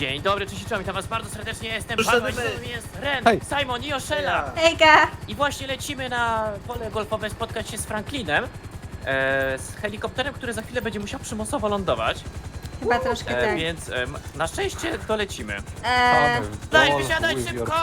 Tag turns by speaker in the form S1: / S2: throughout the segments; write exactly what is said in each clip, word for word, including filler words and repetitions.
S1: Dzień dobry, cześć, czołem, witam was bardzo serdecznie, jestem
S2: Przyszedłem.
S1: Paweł, z nami jest Ren,
S3: Hej.
S1: Simon i Oszela.
S4: Hejka!
S1: I właśnie lecimy na pole golfowe spotkać się z Franklinem, e, z helikopterem, który za chwilę będzie musiał przymusowo lądować,
S4: Chyba troszkę
S1: e,
S4: tak.
S1: więc e, m- na szczęście dolecimy.
S4: Eee,
S1: Daj, wysiadaj szybko!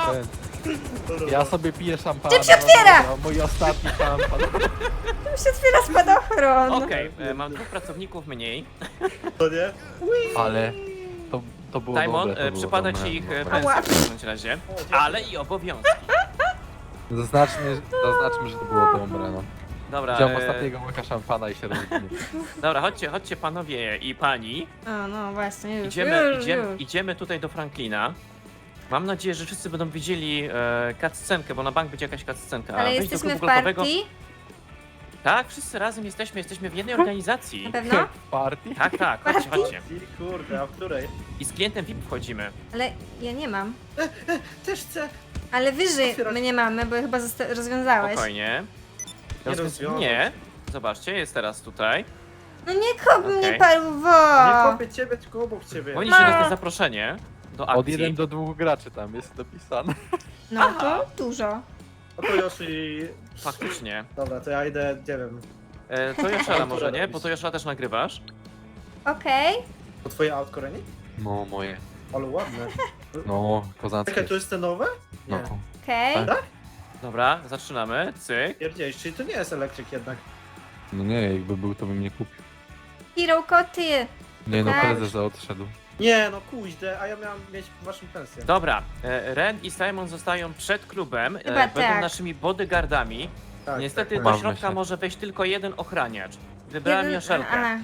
S3: Ja sobie piję szampana.
S4: Czym się otwiera?
S3: No, mój ostatni szampan.
S4: tu się otwiera spadochron.
S1: Okej, e, mam dwóch pracowników mniej.
S2: To nie?
S3: Ale to, to było
S1: Simon,
S3: dobre, to
S1: e,
S3: było
S1: przypada
S3: dobre,
S1: ci ich e,
S3: dobre.
S1: pensja w każdym razie, ale i obowiązki.
S3: Zaznaczmy, zaznaczmy, że to było dobre, no.
S1: Dobra,
S3: Wziąłem
S1: e,
S3: ostatniego łyka szampana i się rozwinię.
S1: dobra, chodźcie, chodźcie panowie i pani.
S4: O, no właśnie, już,
S1: Idziemy,
S4: już,
S1: idziemy,
S4: już.
S1: idziemy tutaj do Franklina. Mam nadzieję, że wszyscy będą widzieli e, cutscenkę, bo na bank będzie jakaś cutscenka.
S4: Ale
S1: Wejdź do
S4: jesteśmy w
S1: klubu golfowego.
S4: partii?
S1: Tak, wszyscy razem jesteśmy, jesteśmy w jednej organizacji.
S4: Na pewno?
S3: Party?
S1: Tak, tak, chodźcie,
S4: Partii?
S1: chodźcie.
S2: I kurde, a w której?
S1: I z klientem V I P wchodzimy.
S4: Ale ja nie mam.
S2: Też chcę.
S4: Ale wyżej
S2: Otwierać.
S4: my nie mamy, bo chyba zosta- rozwiązałeś.
S1: Spokojnie.
S2: Nie
S1: Rozwią-
S2: rozwiążę.
S1: Nie. Zobaczcie, jest teraz tutaj.
S4: No nie kop mnie,
S1: Okej.
S4: paluwo!
S2: Nie kopię ciebie, tylko obok ciebie.
S1: Powinniście
S4: Ma.
S1: dostać zaproszenie do akcji.
S3: Od jeden do dwóch graczy tam jest dopisane.
S4: No to dużo.
S2: No to Yoshi...
S1: Faktycznie.
S2: Dobra, to ja idę, nie wiem,
S1: E, to Joszela może, nie? Bo to Joszela też nagrywasz.
S4: Okej.
S2: po twoje autko, Reni?
S3: No moje.
S2: Ale ładne.
S3: No, kozackie.
S2: Czekaj, to jest te nowe? Nie.
S3: No.
S4: Okej.
S3: Tak.
S1: Dobra, zaczynamy. Cyk.
S2: Pierdzielisz, czyli to nie jest elektryk jednak.
S3: No nie, jakby był, to bym nie kupił.
S4: Hero koty.
S3: Nie no,
S4: Tak.
S3: prezes odszedł.
S2: Nie, no kuźde, a ja miałem mieć waszą pensję.
S1: Dobra, e, Ren i Simon zostają przed klubem. E,
S4: Chyba
S1: będą
S4: tak.
S1: naszymi bodyguardami.
S2: Tak,
S1: Niestety
S2: tak,
S1: do
S3: Bawmy
S1: środka
S3: się.
S1: może wejść tylko jeden ochraniacz. Wybrałem
S4: Jeden-
S1: Joszelkę.
S4: a,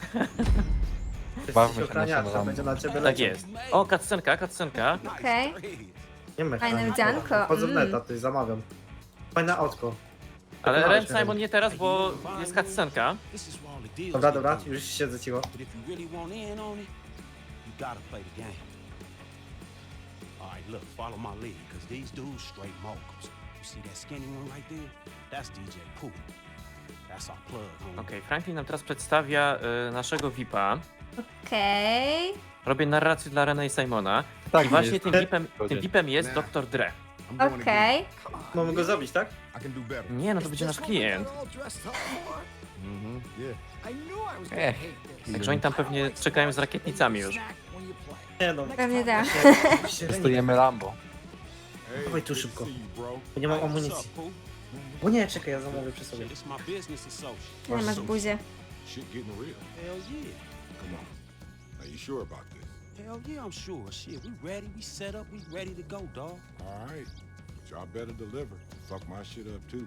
S2: tak.
S3: Bawmy się
S2: Jesteś ochraniaczem,
S3: naszą
S2: będzie na ciebie
S1: Tak
S2: leciał.
S1: jest. O, kaccenka, kaccenka.
S4: Okej.
S2: Nie
S4: Fajne
S2: mechanizm.
S4: wdzianko,
S2: Chodzę w
S4: mm.
S2: neta, ty zamawiam. Fajne autko.
S1: Ale
S2: Tak,
S1: Ren,
S2: tak.
S1: Simon nie teraz, bo jest kaccenka.
S2: Dobra, dobra, już siedzę cicho.
S5: But if you really want in on it, you gotta play the game. Alright, look, follow my lead, cause these dudes straight moguls. You see that skinny one right there? That's D J Pooh. That's our plug, homie.
S1: Okej, Franklin nam teraz przedstawia y, naszego V I P-a.
S4: Okej.
S1: Robię narrację dla Rena i Simona.
S3: Tak,
S1: I właśnie
S3: jest.
S1: tym V I P-em, tym V I P-em jest doktor Dre.
S4: Okej.
S2: Mamy go zabić, tak?
S1: Nie, no to będzie nasz klient.
S3: Ech.
S1: Także oni tam pewnie czekają z rakietnicami już.
S2: Nie no.
S4: Pewnie tak.
S3: Testujemy Lambo.
S2: Dawaj tu szybko. Bo nie
S5: Hey,
S2: mam
S5: what's
S2: amunicji.
S5: up, Pooh?
S2: Bo nie, czekaj, ja zamówię przy sobie.
S5: Shit, it's my business associate.
S4: Nie masz buzie.
S6: Shit getting real.
S5: Hell yeah.
S6: Come on. Are you sure about this?
S5: Hell yeah, I'm sure. Shit, we ready, we set up, we ready to go, dog.
S6: All right. But y'all better deliver. Fuck my shit up too.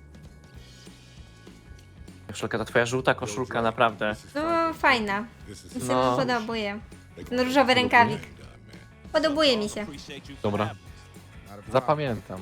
S1: Koszulka, ta twoja żółta koszulka, naprawdę.
S6: This is
S4: No
S6: Franklin.
S4: fajna.
S6: This is
S4: Mi się
S1: No.
S4: podobuje.
S6: They
S4: Ten różowy rękawik. Podobuje mi się.
S5: Appreciate you for
S3: Dobra.
S5: having us.
S6: Not a problem.
S3: Zapamiętam.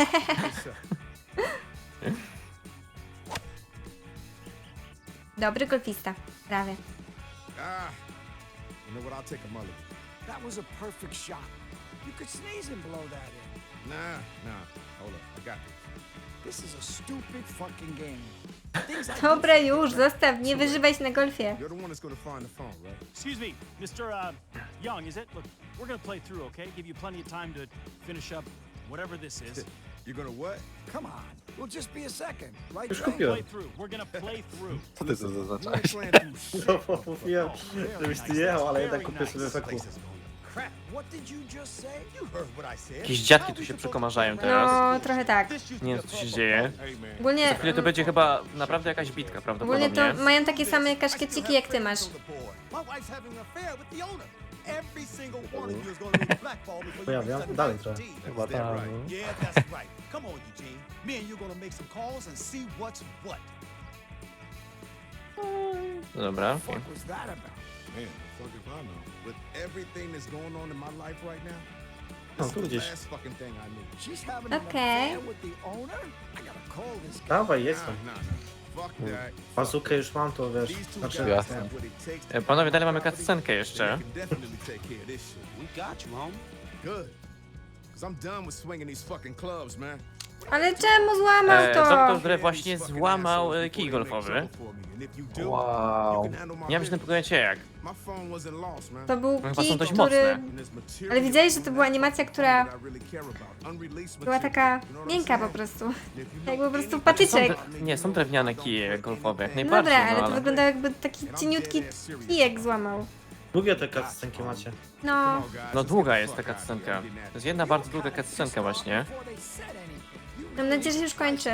S4: Dobry golfista. Prawie.
S6: Ah. You know what? I'll take a mulligan.
S7: That was a perfect shot. You could sneeze and blow that in.
S6: Nah, nah. Hold up. I got this.
S7: This is a stupid fucking game. Things I
S4: Dobra już, zostaw, nie wyżywaj się na golfie.
S6: You're the one that's gonna find the phone, right?
S8: Excuse me, Mister Uh, Young, is it? Look, we're gonna play through, okay? Give you plenty of time to finish up whatever this is.
S6: You're gonna what?
S7: Come on. We'll just be a second, right?
S2: Już
S7: Trey?
S2: kupiłem.
S8: Play through. We're gonna play through.
S3: Co ty to
S6: We
S3: zaznaczałeś?
S6: ain't playing through shit.
S2: No bo mówiłem, żebyś ty jechał, ale jednak kupię sobie feku.
S7: Crap. What did you just say?
S6: You heard what I said.
S1: Jakieś dziadki tu się przekomarzają teraz.
S4: No, trochę tak.
S1: Nie wiem, co się dzieje.
S6: Hey man.
S4: Ogólnie,
S1: Za chwilę to będzie chyba naprawdę jakaś bitka,
S4: ogólnie
S1: prawdopodobnie.
S4: to mają takie same kaszkieciki jak ty masz.
S6: My wife's having an affair with the owner. Every single one of you is gonna be blackballed before you
S2: Pojawiam?
S6: reach
S2: Dalej trochę.
S6: seventeen.
S3: Chyba
S6: That's
S3: tak.
S6: right.
S3: no.
S6: Yeah, that's right. Come on, Eugene. Me and you gonna make some calls and see what's what.
S1: Dobra.
S7: What the fuck was that about?
S6: Man, the fuck if I know. With everything that's going on in my life right now,
S2: No,
S6: this
S2: tu
S6: is the
S2: gdzieś.
S6: last fucking thing I need.
S7: She's having an
S4: Okay.
S7: affair with the owner? I gotta call this guy.
S2: Dawaj, jestem.
S6: Nah, nah, nah. Fuck that.
S2: Bazukę już mam, to wiesz.
S6: These two
S2: Znaczy,
S6: guys
S3: Jasne.
S6: have what it takes to
S1: E, Panowie, dalej mamy cutscenkę jeszcze.
S6: They can definitely take care of this shit.
S5: We got you, homie.
S6: Good. Cause I'm done with swinging these fucking clubs, man.
S4: Ale czemu złamał
S1: E,
S4: to?
S1: doktor Dre właśnie złamał e, kij golfowy.
S3: Wow.
S1: Nie wiem, że powiecie jak.
S4: To był
S1: No chyba są
S4: kij,
S1: dość
S4: który...
S1: mocne.
S4: Ale widziałeś, że to była animacja, która była taka miękka po prostu. Jakby po prostu
S1: Są
S4: patyczek.
S1: dre- nie, są drewniane kije golfowe, jak
S4: No
S1: najbardziej,
S4: dobra, ale
S1: no
S4: to
S1: ale...
S4: wyglądało jakby taki cieniutki kijek złamał.
S2: Długie te cutscenki macie.
S4: No,
S1: No długa jest ta cutscenka. To jest jedna bardzo długa cutscenka właśnie.
S4: mam nadzieję, że się już kończy.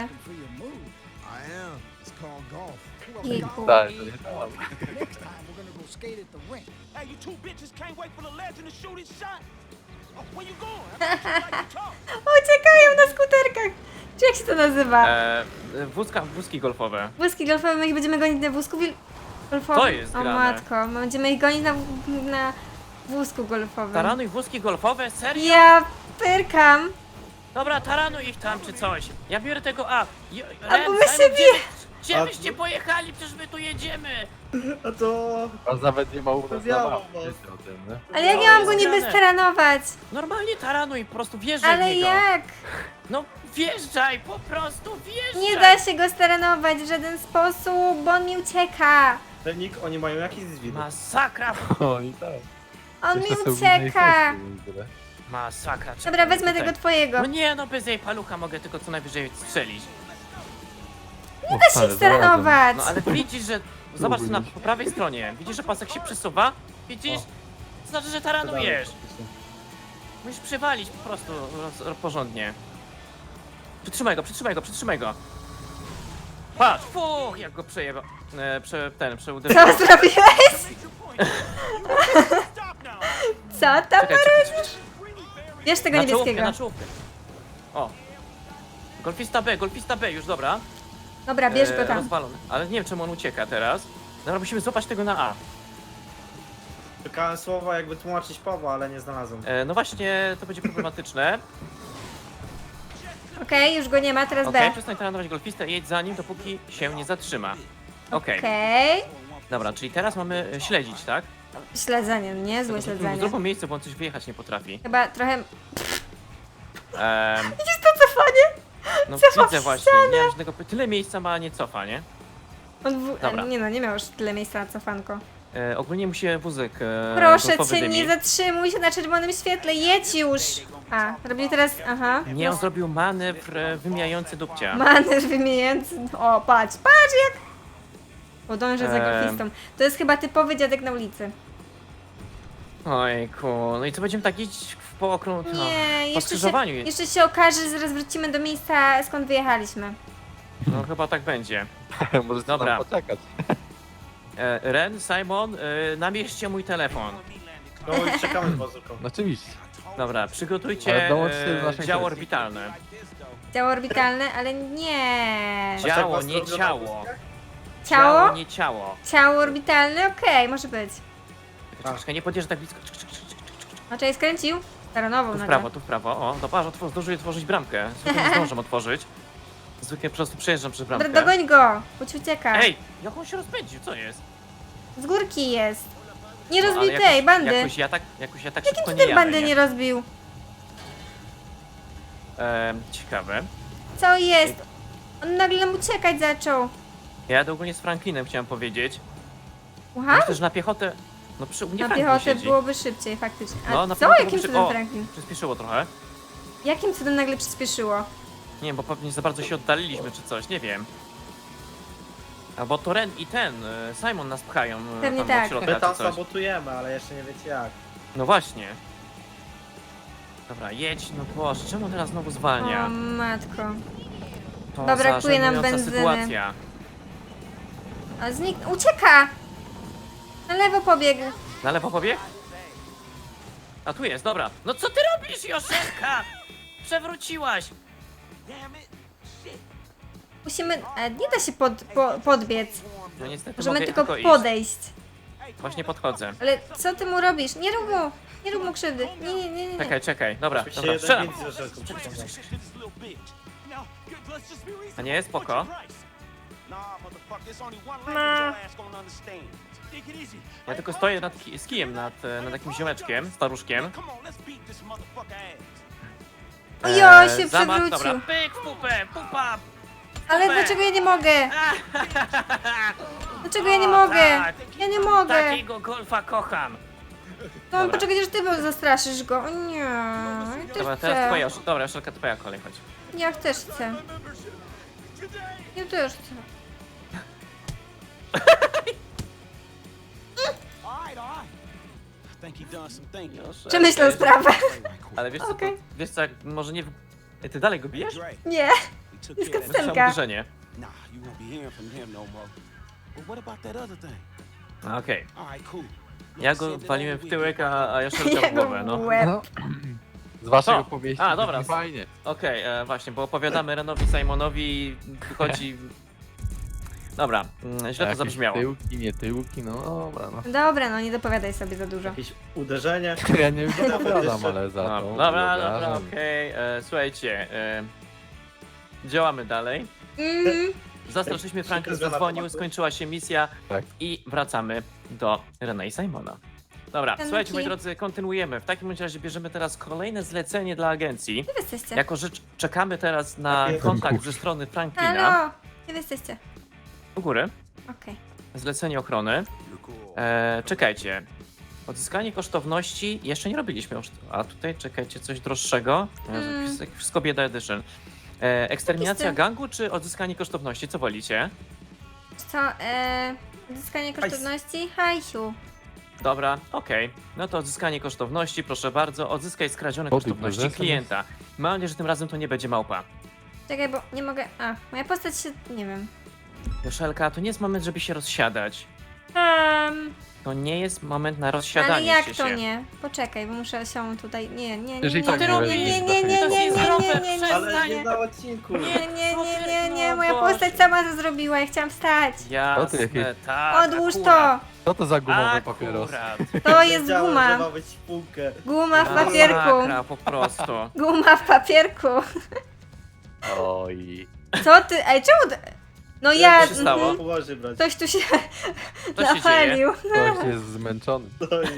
S4: Jejku.
S3: Tak, to nie tam.
S7: Next time we're gonna go skate at the rink.
S5: Hey, you two bitches can't wait for the legend to shoot his shot. Oh, where you going? I thought you like to talk.
S4: Uciekają na skuterkach! Czy jak się to nazywa?
S1: E, wózka, wózki golfowe.
S4: Wózki golfowe, my ich będziemy gonić na wózku wil- golfowym.
S1: To jest
S4: O
S1: grane.
S4: matko, my będziemy ich gonić na, na wózku golfowym.
S1: Taranuj wózki golfowe? Serio?
S4: Ja pyrkam.
S1: Dobra, taranuj ich tam czy coś. Ja biorę tego A. Je-
S4: A
S1: Ren,
S4: bo my
S1: Simon,
S4: się
S1: gdzie,
S4: bie-
S1: wy- gdzie
S2: A
S1: wyście
S2: tu-
S1: pojechali? Przecież my tu jedziemy.
S2: A to...
S3: A nawet nie ma u nas
S2: Wiadomo.
S3: zabawy, wiecie o tym, nie?
S4: Ale jak
S1: No,
S4: ja mam
S1: jest
S4: go niby
S1: grane.
S4: staranować?
S1: Normalnie taranuj, po prostu wjeżdżaj w
S4: Ale
S1: niego.
S4: jak?
S1: No wjeżdżaj, po prostu wjeżdżaj.
S4: Nie da się go staranować w żaden sposób, bo on mi ucieka.
S2: Trening, oni mają jakiś zwid.
S1: Masakra,
S3: O, i tak.
S4: On mi
S3: Jeszcze są w innej
S4: ucieka.
S3: sesji w ogóle.
S1: masakra.
S4: Dobra,
S1: czekaj,
S4: wezmę
S1: tutaj.
S4: tego twojego.
S1: No nie, no bez jej palucha mogę tylko co najwyżej strzelić.
S3: Nie
S4: Da się staranować.
S1: No ale widzisz, że... Zobacz tu na po prawej stronie. Widzisz, że pasek się przesuwa? Widzisz? To znaczy, że taranujesz. Musisz przywalić po prostu roz, porządnie. Przytrzymaj go, przytrzymaj go, przytrzymaj go. Patrz, fuch, jak go przejeba... E, prze, ten, przeuderzył.
S4: Co zrobiłeś?
S5: Stop now.
S4: Co tam
S1: Czekaj, czekaj,
S4: robisz?
S1: czekaj.
S4: Bierz tego
S1: Na czołówkę,
S4: niebieskiego.
S1: na czołówkę. O. Golfista B, golfista B, już dobra.
S4: Dobra, bierz
S1: E,
S4: go tam.
S1: Rozwalony. Ale nie wiem, czemu on ucieka teraz. Dobra, musimy złapać tego na A.
S2: Szukałem słowa jakby tłumaczyć Pawła, ale nie znalazłem.
S1: E, no właśnie, to będzie problematyczne.
S4: Okej, już go nie ma, teraz
S1: Okej,
S4: B.
S1: przestań taranować golfistę i jedź za nim, dopóki się nie zatrzyma. Okej,
S4: Okej.
S1: dobra, czyli teraz mamy e, śledzić, tak?
S4: Śledzenie, niezłe
S1: W
S4: śledzenie.
S1: drugim miejscu, bo on coś wyjechać nie potrafi.
S4: Chyba trochę...
S1: Ehm,
S4: Widzisz to cofanie?
S1: no
S4: Cofa
S1: widzę
S4: w
S1: właśnie, nie mam żadnego... Tyle miejsca ma, nie cofa, nie?
S4: On w...
S1: Dobra.
S4: Nie no, nie miał już tyle miejsca na cofanko.
S1: E, ogólnie musi wózek e,
S4: Proszę
S1: golfowy
S4: cię,
S1: dymi.
S4: nie zatrzymuj się na czerwonym świetle, jedź już! A, robię teraz... Aha.
S1: Nie, on zrobił manewr e, wymijający dupcia.
S4: Manewr wymieniający... O, patrz, patrz jak... Podążę za
S1: Eee.
S4: golfistą. To jest chyba typowy dziadek na ulicy.
S1: Ojku, no i co, będziemy tak iść w po okrąg... no,
S4: Nie,
S1: po
S4: jeszcze się,
S1: skrzyżowaniu.
S4: jeszcze się okaże, że zaraz wrócimy do miejsca, skąd wyjechaliśmy.
S1: No chyba tak będzie.
S3: Możecie
S1: Dobra.
S3: nam poczekać.
S1: E, Ren, Simon, e, namieśćcie mój telefon.
S2: No i czekamy z bazooką.
S3: No oczywiście.
S1: Dobra, przygotujcie
S3: Ale dołączcie do
S1: e,
S3: naszej
S1: działo
S3: sesji.
S1: orbitalne.
S4: Działo orbitalne, ale nie.
S2: Aż tak
S1: Działo,
S2: was
S1: nie
S2: robią na
S1: ciało.
S2: wózkach?
S4: Ciało?
S1: nie ciało.
S4: Ciało orbitalne, okej, może być.
S1: Czekaj, czekaj, nie podjeżdżaj tak blisko. Czek, czek, czek, czek.
S4: O, czekaj, skręcił? Staranową
S1: Tu w
S4: nagle.
S1: prawo, tu w prawo. O, dobra, otw- zdążuję otworzyć bramkę. Zwykle nie zdążę otworzyć. Zwykle po prostu przejeżdżam przez
S4: Dobra,
S1: bramkę.
S4: dogoń go, bo ci ucieka.
S1: Ej, jak on się rozpędził, co jest?
S4: Z górki jest. Nie
S1: No,
S4: rozbił
S1: ale
S4: tej
S1: jakoś-
S4: bandy.
S1: Jakoś ja tak, jakoś ja tak
S4: Jakim
S1: szybko
S4: ty
S1: nie
S4: tej
S1: jadę,
S4: bandy
S1: nie?
S4: nie rozbił?
S1: Ehm, ciekawe.
S4: Co jest? On nagle nam uciekać zaczął.
S1: Ja jadę ogólnie z Franklinem, chciałem powiedzieć.
S4: Słucham?
S1: Myślę, że na piechotę... No przy, u mnie
S4: Na
S1: Franklin
S4: piechotę
S1: siedzi.
S4: byłoby szybciej, faktycznie. A
S1: No, na
S4: co?
S1: piechotę
S4: Jakim
S1: byłoby
S4: cudem
S1: szy- o.
S4: Franklin?
S1: Przyspieszyło trochę.
S4: Jakim cudem nagle przyspieszyło?
S1: Nie wiem, bo pewnie za bardzo się oddaliliśmy czy coś, nie wiem. Albo to Ren i ten, y, Simon nas pchają y,
S4: Pewnie
S1: tam
S4: tak.
S1: od środka
S2: My tam
S1: czy coś.
S2: sabotujemy, ale jeszcze nie wiecie jak.
S1: No właśnie. Dobra, jedź, no Boże, czemu teraz znowu zwalnia?
S4: O matko.
S1: To
S4: Dobra, brakuje nam
S1: żenująca
S4: benzyny.
S1: sytuacja.
S4: A znik... Ucieka! Na lewo pobiegł.
S1: Na lewo pobieg? A tu jest, dobra. No co ty robisz, Joszelka? Przewróciłaś.
S4: Musimy... E, nie da się pod, po, podbiec.
S1: No niestety
S4: Możemy
S1: mogę
S4: tylko
S1: iść.
S4: podejść.
S1: Właśnie podchodzę.
S4: Ale co ty mu robisz? Nie rób mu! Nie rób mu krzywdy. Nie, nie, nie, nie.
S1: Czekaj, czekaj, dobra,
S2: Oczywiście
S1: dobra,
S2: jeden
S1: strzelam.
S2: więcej ze żelką przyciągnął.
S5: Now, good, let's just be reasonable.
S1: A nie, spoko.
S5: What's your price? Nah, motherfucker, there's only one language your ass gonna understand. Take it easy.
S1: Ja tylko stoję nad, ki- z kijem nad, e, nad jakimś ziomeczkiem, staruszkiem.
S5: Come on, let's beat this motherfucker ass.
S4: Ojo, się
S1: zamach, dobra,
S4: przewrócił.
S1: pyk w pupę, pupa!
S4: Ale
S1: super.
S4: dlaczego ja nie mogę? Dlaczego ja nie
S1: O,
S4: mogę?
S1: tak.
S4: Ja nie mogę.
S1: Takiego golfa kocham.
S4: No
S1: Dobra.
S4: poczekaj, aż ty zastraszysz go. O nie, ja też
S1: Dobra, teraz
S4: chcę.
S1: twoja, dobra, Joszelka, twoja kolej, chodź.
S4: Ja też chcę. Ja też chcę.
S5: All right, all right. I think he done some thinking.
S1: Joszelka,
S4: Przemyślał
S1: jest-
S4: sprawę.
S5: Play right quick.
S1: Ale wiesz co,
S4: Okej.
S1: to, wiesz co, jak może nie... w- Ej, ty dalej go bijesz?
S5: Dre,
S4: Nie.
S5: we took
S4: Jest
S5: care of that.
S1: Słyszałem
S4: Scenka.
S1: uderzenie.
S5: Nah, you won't be hearing from him no more. But what about that other thing?
S1: A, Okej.
S5: All right, cool. Look,
S1: Ja
S5: send
S1: go
S5: it
S1: waliłem
S5: over,
S1: w
S5: we
S1: tyłek,
S5: can-
S1: a, a Joszelka w
S4: Jego
S1: głowę, no.
S4: łeb.
S3: No. Z waszego
S1: Co?
S3: powieści
S1: A, dobra.
S3: brzmi fajnie.
S1: Okej, e, właśnie, bo opowiadamy Renowi Simonowi i wychodzi... Dobra, mm, źle to
S3: Jakieś
S1: zabrzmiało.
S3: tyłki, nie tyłki, no dobra, no.
S4: Dobra, no nie dopowiadaj sobie za dużo.
S2: Jakieś uderzenie.
S3: Ja nie wypowiadam, ale za
S1: No,
S3: to
S1: dobra, dobra,
S3: wyobrażam.
S1: okej. e, Słuchajcie, e, działamy dalej.
S4: Mhm.
S1: Zastraszyliśmy, Franklin
S2: Zmiana
S1: zadzwonił,
S2: tematu.
S1: skończyła się misja
S3: Tak.
S1: i wracamy do Rena i Simona. Dobra,
S4: Janki.
S1: słuchajcie moi drodzy, kontynuujemy. W takim razie bierzemy teraz kolejne zlecenie dla agencji.
S4: Gdzie wy jesteście?
S1: Jako że cz- czekamy teraz na
S2: Takie-
S1: kontakt ze strony Franklina.
S4: Halo! Gdzie wy jesteście?
S1: U góry,
S4: Okej.
S1: zlecenie ochrony. E, czekajcie. Odzyskanie kosztowności jeszcze nie robiliśmy już. A tutaj czekajcie, coś droższego. Jezu,
S4: Mm.
S1: wszystko- Wszystko bieda edition. E, eksterminacja
S4: Jakiś ten-
S1: gangu czy odzyskanie kosztowności? Co wolicie?
S4: Co, e... Odzyskanie kosztowności? Hajsiu.
S1: Dobra, okej. No to odzyskanie kosztowności, proszę bardzo. Odzyskaj skradzione
S3: O, ty
S1: kosztowności
S3: prezesem
S1: klienta. Mam nadzieję, że tym razem to nie będzie małpa.
S4: Czekaj, bo nie mogę... A, moja postać się... nie wiem.
S1: Joszelka, to nie jest moment, żeby się rozsiadać.
S4: Um,
S1: To nie jest moment na rozsiadanie
S4: ale jak
S1: się.
S4: to
S1: się.
S4: nie? Poczekaj, bo muszę się tutaj... Nie, nie, nie, nie,
S3: Jeżeli
S4: nie,
S3: tak
S4: nie,
S3: nie
S4: nie,
S3: weźmiesz
S4: nie,
S3: do
S4: nie, nie,
S1: To
S4: nie,
S1: jest
S4: nie,
S1: zdrowe,
S4: nie, nie, nie,
S2: Ale
S1: przestań.
S2: nie na odcinku.
S4: nie, nie, nie, nie, nie,
S1: No
S4: moja
S1: Boże.
S4: postać sama to zrobiła, ja chciałam wstać.
S1: Jasne,
S3: To ty jakie-
S1: tak.
S4: Odłóż
S1: akurat.
S4: to!
S3: Co to za gumowy papieros?
S1: Akurat.
S4: To jest
S2: Wiedziałem, że
S4: guma.
S2: ma być spółkę.
S4: Guma w
S1: Masakra
S4: papierku.
S1: po prostu.
S4: Guma w papierku.
S3: Oj.
S4: Co ty? Ej, czemu ty... No ja...
S1: Co się stało?
S4: mhm.
S2: Poważnie brać.
S4: Ktoś tu się
S1: Co się dzieje?
S4: napalił.
S3: Ktoś jest zmęczony.
S2: Ojej.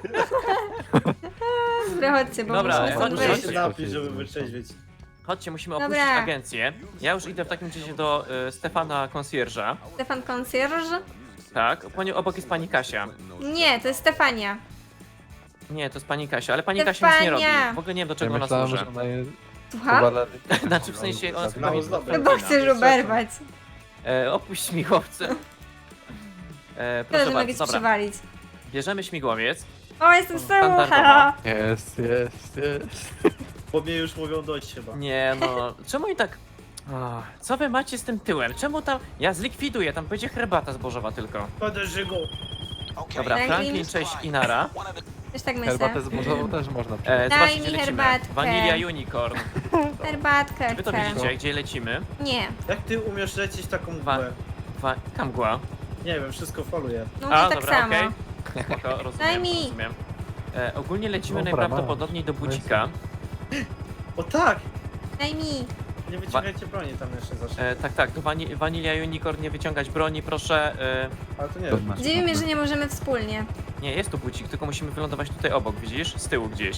S4: Dobra, chodźcie, bo
S1: Dobra,
S4: musimy stąd
S1: chodźcie,
S2: Muszę
S4: wyjść.
S2: się napić, żeby wytrzeźwieć.
S1: Chodźcie, musimy
S4: Dobra.
S1: opuścić agencję. Ja już idę w takim razie do y, Stefana Concierge'a.
S4: Stefan Concierge?
S1: Tak, po nią obok jest pani Kasia.
S4: Nie, to jest Stefania.
S1: Nie, to jest pani Kasia, ale pani Kasia nic nie robi.
S4: Stefania!
S1: W ogóle nie wiem, do
S3: Ja
S1: czego ona
S3: myślałem,
S1: służy.
S3: że ona jest
S4: Słucham?
S3: powalony.
S1: Znaczy w sensie ona
S2: Mało
S1: jest
S2: zdrowe.
S4: Chyba chcesz oberwać.
S1: E, opuść śmigłowce. E,
S4: Tyle,
S1: proszę
S4: że mogę
S1: bardzo,
S4: ci
S1: dobra.
S4: przywalić.
S1: Bierzemy śmigłowiec.
S4: O, jestem z tyłu,
S1: Standardowo.
S4: halo.
S3: Jest, jest, jest.
S2: Po mnie już mówią dość chyba.
S1: Nie no, czemu i tak... O, co wy macie z tym tyłem? Czemu tam... Ja zlikwiduję, tam będzie herbata zbożowa tylko.
S2: Podejrzyj go.
S1: Dobra,
S4: Franklin?
S1: Franklin, cześć i Nara.
S4: Też tak myślę.
S3: Herbatę zbożową też można przyjąć.
S1: E,
S4: Daj
S1: zobaczcie,
S4: mi
S1: gdzie lecimy.
S4: herbatkę.
S1: Vanilla Unicorn.
S4: Herbatkę
S1: Wy to
S4: chcę.
S1: widzicie, gdzie lecimy?
S4: Nie.
S2: Jak ty umiesz lecieć taką
S1: Wa-
S2: mgłę?
S1: Wa... Kamgła.
S2: Nie wiem, wszystko faluje.
S4: No mnie
S1: A,
S4: tak
S1: dobra,
S4: samo.
S1: okej. Spoko,
S4: Daj
S1: rozumiem,
S4: mi.
S1: rozumiem. E, ogólnie lecimy
S3: Dobra,
S1: najprawdopodobniej do bucika.
S2: O tak!
S4: Daj mi.
S2: Nie wyciągajcie broni tam jeszcze zawsze.
S1: E, tak, tak, do wani Vanilla Unicorn nie wyciągać broni, proszę. E,
S2: Ale to nie
S3: To
S2: wiem.
S3: masz
S4: Dziwi mnie,
S3: problem.
S4: że nie możemy wspólnie.
S1: nie, jest tu bucik, tylko musimy wylądować tutaj obok, widzisz? Z tyłu gdzieś.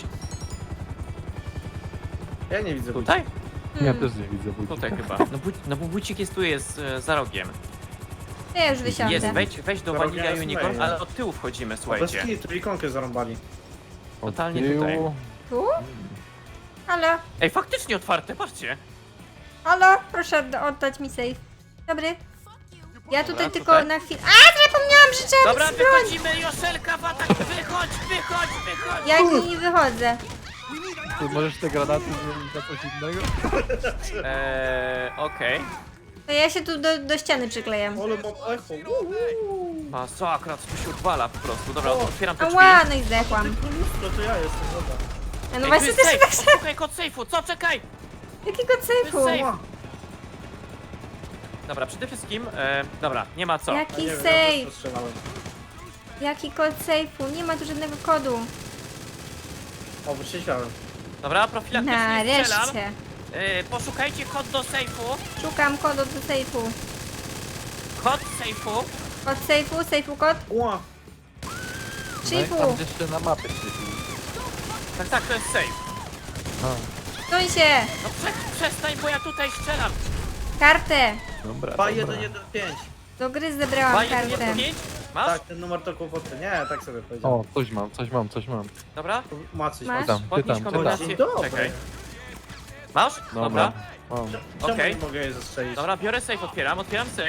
S2: Ja nie widzę
S1: Tutaj?
S3: Ja
S4: Hmm.
S3: też nie widzę budzika.
S1: Tutaj chyba. No, bu no bo bucik jest tu, jest e, za rogiem.
S4: To ja już wysiądę.
S1: Jest, wejdź, wejdź do
S2: Za rogiem
S1: Vanilla
S2: jest
S1: Unicorn,
S2: mail.
S1: ale od tyłu wchodzimy,
S2: Bez
S1: słuchajcie.
S2: kitu, ikonkę zarąbali.
S3: Od
S1: totalnie
S3: tyłu.
S1: tutaj.
S4: Tu? Halo?
S1: Ej, faktycznie otwarte, patrzcie.
S4: Halo? Proszę odda- oddać mi safe. Dobry. Ja tutaj
S1: Dobra,
S4: tylko
S1: tutaj.
S4: na chwilę... A, zapomniałam, że trzeba
S1: Dobra,
S4: mieć broń!
S1: wychodzimy, Joszelka w atak! Wychodź, wychodź, wychodź!
S4: Ja nie wychodzę.
S3: Ty możesz te granaty zmienić na coś innego?
S1: Eee, okej.
S4: To ja się tu do, do ściany przyklejam.
S2: Ale mam echo. Uuu.
S1: Masakra, co tu się odwala po prostu. Dobra, otwieram te drzwi.
S4: Ała, no i zdechłam.
S2: Tylko lustro, to ja jestem, dobra.
S4: A no
S1: Ej,
S4: właśnie
S1: tu jest
S4: też tak
S1: safe. Szukaj kod sejfu, co? Czekaj!
S4: Jakiego sejfu?
S1: safe.
S2: Ła.
S1: Dobra, przede wszystkim, e, dobra, nie ma co.
S2: Ja
S4: Jaki
S2: nie wiem, ja
S4: safe?
S2: też strzelałem.
S4: Jaki kod sejfu? Nie ma tu żadnego kodu.
S2: O, wytrzeźwiałem.
S1: Dobra, profilaktycznie strzelam.
S4: Nareszcie.
S1: E, poszukajcie kod do sejfu.
S4: Szukam kodu do sejfu.
S1: Kod sejfu.
S4: Kod sejfu, sejfu kod.
S2: Ła.
S3: No i
S4: Szyfu.
S3: tam jeszcze na mapie świeci.
S1: Tak, tak, to jest safe.
S3: A.
S4: Suń się!
S1: No prze, przestań, bo ja tutaj strzelam.
S4: Kartę!
S3: Dobra,
S2: dwa
S3: dobra.
S2: jeden jeden pięć.
S4: Do gry
S1: dwa,
S4: zebrałam
S1: jeden,
S4: kartę.
S1: jeden, pięć. Masz?
S2: Tak, ten numer to kłopoty. Nie, tak sobie powiedziałem.
S3: O, coś mam, coś mam, coś mam.
S1: Dobra.
S2: Maciej,
S4: Masz?
S3: Pytam,
S1: Podnieś
S3: pytam,
S1: kombinację.
S3: pytam.
S2: Dzień dobry.
S1: Czekaj. Masz?
S3: Dobra.
S1: Dobra.
S3: Mam.
S2: Czemu
S1: Okej.
S2: nie mogę jej zastrzelić?
S1: Dobra, biorę safe, otwieram, otwieram safe.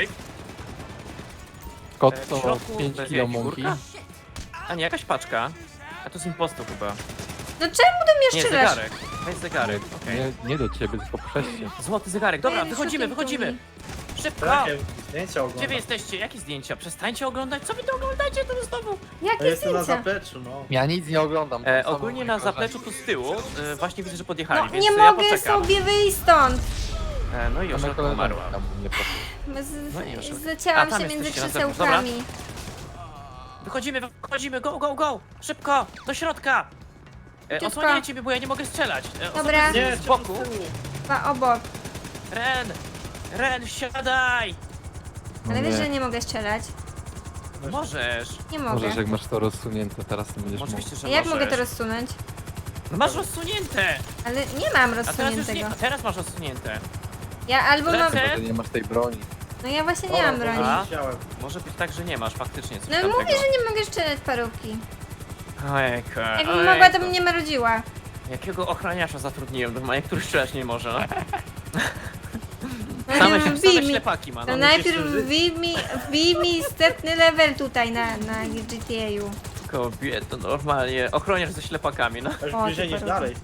S3: Kot
S1: E, w
S3: to
S1: środku
S3: pięć
S1: bez
S3: kilo
S1: jaj,
S3: mąki.
S1: figurka? A nie, jakaś paczka. A to z impostu chyba.
S4: No czemu do mnie
S1: Nie,
S4: strzelasz?
S1: zegarek. Weź zegarek, okej.
S3: Nie, nie do ciebie, tylko przeście.
S1: Złoty zegarek, dobra,
S4: Ej,
S1: wychodzimy,
S4: shooting
S1: wychodzimy.
S4: to me.
S1: Szybko!
S2: Jakie zdjęcia
S1: Gdzie wy
S2: oglądam?
S1: jesteście? Jakie zdjęcia? Przestańcie oglądać, co wy to oglądacie tu znowu?
S2: Ja
S4: Jakie
S2: jestem na
S4: zdjęcia?
S2: zapleczu, no.
S3: Ja nic nie oglądam.
S1: E,
S3: tam
S1: ogólnie
S3: same
S1: na
S3: moje
S1: zapleczu
S3: koleżanki.
S1: tu z tyłu, e, właśnie widzę, że podjechali,
S4: No
S1: więc
S4: nie
S1: ja
S4: mogę
S1: poczekam.
S4: sobie wyjść stąd!
S1: E, no i już
S3: Same
S1: umarła.
S3: koleżanki tam mnie proszę.
S4: Z,
S1: No i już. A,
S4: zacięłam
S1: tam
S4: się między
S1: jesteście na zewnątrz, dobra.
S4: krzesełkami.
S1: Wychodzimy, wychodzimy, go, go, go! Szybko, do środka! E,
S4: Szybko.
S1: osłaniajcie mnie, bo ja nie mogę strzelać. E, osoby
S4: Dobra.
S1: z-
S2: Nie,
S1: z boku.
S4: Dwa obok.
S1: Ren! Ren, siadaj!
S3: No
S4: Ale wiesz,
S3: nie.
S4: że nie mogę strzelać.
S1: Możesz.
S4: Nie mogę.
S3: Możesz, jak masz to rozsunięte, teraz to będziesz mógł.
S1: Oczywiście, że
S4: A jak
S1: możesz.
S4: mogę to rozsunąć?
S1: No masz rozsunięte!
S4: Ale nie mam
S1: A teraz już nie,
S4: rozsuniętego.
S1: a teraz masz rozsunięte.
S4: Ja albo mam...
S1: Lecę.
S3: Chyba, że nie masz tej broni.
S4: No ja właśnie nie mam broni.
S1: A?
S2: Chciałem.
S1: Może być tak, że nie masz faktycznie coś
S4: No
S1: tamtego.
S4: mówię, że nie mogę strzelać parówki.
S1: Ojejku,
S4: Jakbym
S1: ojejku.
S4: mogła, to bym nie marudziła.
S1: Jakiego ochroniarza zatrudniłem do mnie, który strzelać nie może.
S4: No
S1: Same,
S4: nie,
S1: się,
S4: wbij
S1: same
S4: mi.
S1: ślepaki ma,
S4: To
S1: no.
S4: najpierw
S2: musisz żyć.
S4: wbij mi, wbij mi wstępny level tutaj na, na G T A-u.
S1: Kobieto, normalnie. Ochroniarz ze ślepakami, no.
S2: Aż
S4: O,
S2: bliżej
S4: ty
S2: niż
S4: paruwa.
S2: dalej.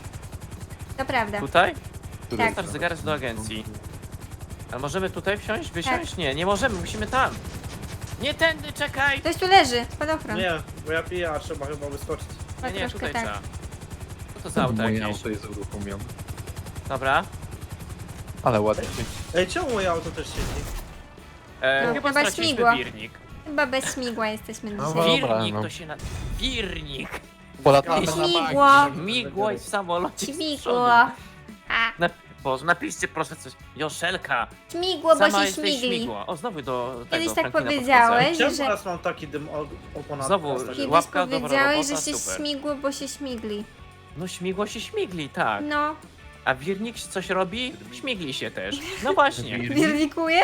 S4: To prawda.
S1: Tutaj?
S3: Który
S4: Tak.
S1: Start zegarek do agencji. A możemy tutaj wsiąść? Wysiąść?
S4: Tak.
S1: Nie, nie możemy, musimy tam. Nie tędy, czekaj!
S4: Ktoś tu leży, spadochron.
S2: Nie, bo ja piję, a trzeba chyba wyskoczyć.
S1: Nie, nie,
S4: troszkę
S1: tutaj
S4: tak.
S1: trzeba. Co to za auto
S3: Moje
S1: jakieś?
S3: auto jest uruchomione.
S1: Dobra.
S3: Ale ładnie się.
S2: Ej, czemu moje auto też siedzi?
S1: E,
S4: No,
S1: chyba
S4: chyba
S1: straciliśmy
S4: śmigło.
S1: wirnik.
S4: Chyba bez śmigła jesteśmy
S3: No
S4: dzisiaj.
S3: dobra,
S1: Wirnik
S3: no.
S1: to się na... Wirnik!
S3: Polatamy na
S4: Śmigło.
S3: bank.
S1: Migło i w samolocie z
S4: Śmigło.
S1: przodu.
S4: A,
S1: Na... Boże, napiszcie proszę coś. Joszelka!
S4: śmigło, bo
S1: Sama
S4: się
S1: jesteś
S4: śmigli.
S1: śmigło. O, znowu do tego
S4: Kiedyś tak
S1: Franklina
S4: powiedziałeś.
S1: podchodzę.
S2: Czemu
S4: że-
S2: teraz mam taki dym o, o ponad
S1: Znowu,
S2: teraz tak-
S4: Kiedyś
S1: Łapka, dobra
S4: powiedziałeś, że
S1: robota,
S4: się
S1: super.
S4: śmigło, bo się śmigli.
S1: No śmigło się śmigli, tak.
S4: No,
S1: A wirnik coś robi? Śmigli się też. No właśnie.
S3: Wirnik?
S4: wirnikuje?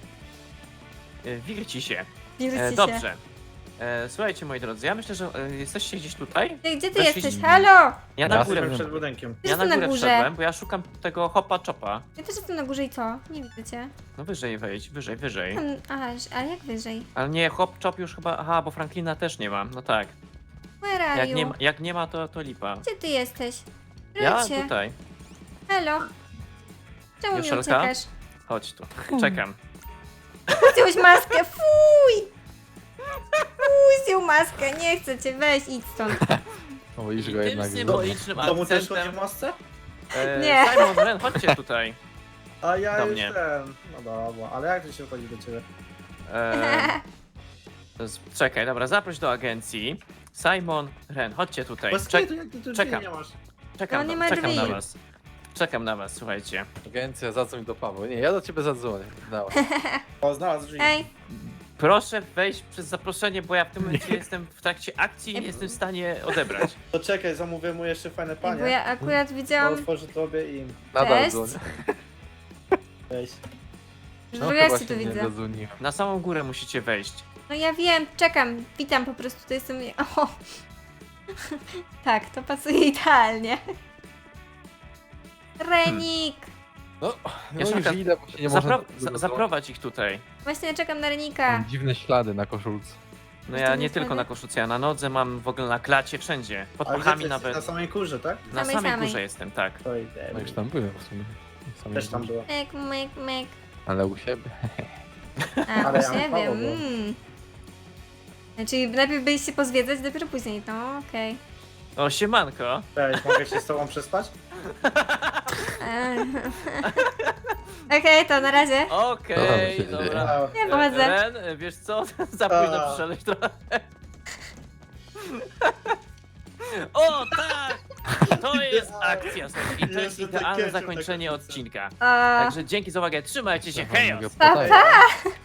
S1: E, Wirci się.
S4: Wirci
S1: E,
S4: się.
S1: dobrze. E, słuchajcie moi drodzy, ja myślę, że e, jesteście gdzieś tutaj.
S4: Ty, gdzie ty
S1: Weszliście-
S4: jesteś? Halo!
S1: Ja na
S3: Ja
S1: górę,
S2: Jesteśmy przed budynkiem.
S4: Ty
S1: ja na
S4: jestem na
S1: górę
S4: górze.
S1: wszedłem, bo ja szukam tego hopa chopa.
S4: Ja też jestem na górze i co? Nie widzę cię.
S1: No wyżej wejdź, wyżej, wyżej.
S4: Tam, aha, a jak wyżej?
S1: Ale nie, hop chop już chyba, aha, bo Franklina też nie mam, no tak.
S4: Where are
S1: Jak
S4: you?
S1: nie, ma- jak nie ma, to, to lipa.
S4: Gdzie ty jesteś?
S1: Ja
S4: Wróćcie.
S1: tutaj,
S4: Halo? Czemu mi
S1: Joszelka?
S4: uciekasz?
S1: chodź tu, czekam.
S4: Zdjąłeś maskę, fuj! Fuj, zdjął maskę, nie chcę cię, weź, idź stąd.
S3: O, widzisz go
S1: Tym
S3: jednak.
S1: symbolicznym
S2: To mu też chodzi
S1: akcentem.
S2: w masce?
S1: E,
S4: Nie.
S1: Simon, Ren, chodźcie tutaj.
S2: A ja
S1: Do
S2: już
S1: mnie.
S2: ten... No dobra, ale jak to się chodzi do ciebie?
S1: E, to jest, czekaj, dobra, zaproś do agencji. Simon, Ren, chodźcie tutaj.
S2: Bez
S1: Czek,
S2: kitu, jak ty tu drzwi
S1: czekam.
S2: nie masz?
S1: czekam,
S4: No nie
S1: na-
S4: ma
S1: czekam
S4: drzwi.
S1: na was. Czekam na was, słuchajcie.
S3: Agencja, zadzwoń do Pawła. Nie, ja do ciebie zadzwonię. Dawaj.
S2: O, znalazł drzwi.
S4: Ej,
S1: Proszę wejść przez zaproszenie, bo ja w tym momencie jestem w trakcie akcji i nie jestem w stanie odebrać.
S2: To czekaj, zamówię mu jeszcze fajne panie.
S4: bo ja akurat
S2: Bo
S4: widziałam,
S2: otworzy tobie i im.
S3: Nadal
S4: Cześć.
S3: dzwonię.
S2: Weź.
S4: że
S3: No,
S4: no,
S3: to
S4: ja cię
S3: właśnie
S4: tu
S3: nie
S4: widzę.
S3: zadzwoniłem.
S1: Na samą górę musicie wejść.
S4: No ja wiem, czekam, witam po prostu, to jestem... O. Tak, to pasuje idealnie. Renik!
S3: No, no
S1: Joszelka,
S3: już idę, bo się nie
S1: Zapro
S3: można...
S1: za zaprowadź ich tutaj.
S4: Właśnie czekam na Renika.
S3: Mam dziwne ślady na koszulce.
S1: No
S4: Jeszcze
S1: ja
S4: nie
S1: nie tylko
S4: wtedy?
S1: na koszulce, ja na nodze mam w ogóle na klacie, wszędzie. Pod
S2: A gdzie ty
S1: pachami
S2: jesteś?
S1: nawet.
S2: Na samej kurze, tak?
S1: Na
S4: Samej,
S1: samej
S4: samej.
S1: górze jestem, tak.
S2: To idę.
S3: No już tam byłem w sumie. Sami
S2: Też tam
S3: górze.
S2: było.
S4: Myk, myk, myk.
S3: Ale u siebie.
S4: A,
S2: Ale
S4: u
S2: ja mam
S4: siebie,
S2: prawo, bo-
S4: mm. Czyli najpierw byliście pozwiedzać, dopiero później, no okej.
S1: O, siemanko.
S2: Cześć, mogę się z tobą przespać?
S4: Eee. Okej, to na razie.
S1: Okej,
S3: się
S1: dobra.
S2: A,
S4: Nie pochodzę.
S1: Ren, wiesz co? Za późno
S2: A.
S1: przyszedłeś trochę. O, tak! To jest akcja, słuchajcie. I to jest
S2: Jeszcze
S1: idealne
S2: takie
S1: zakończenie
S2: ciągle
S1: odcinka.
S4: A,
S1: Także dzięki za uwagę, trzymajcie się, hej!
S3: Mogę
S4: Pa,
S3: podaję.
S4: pa!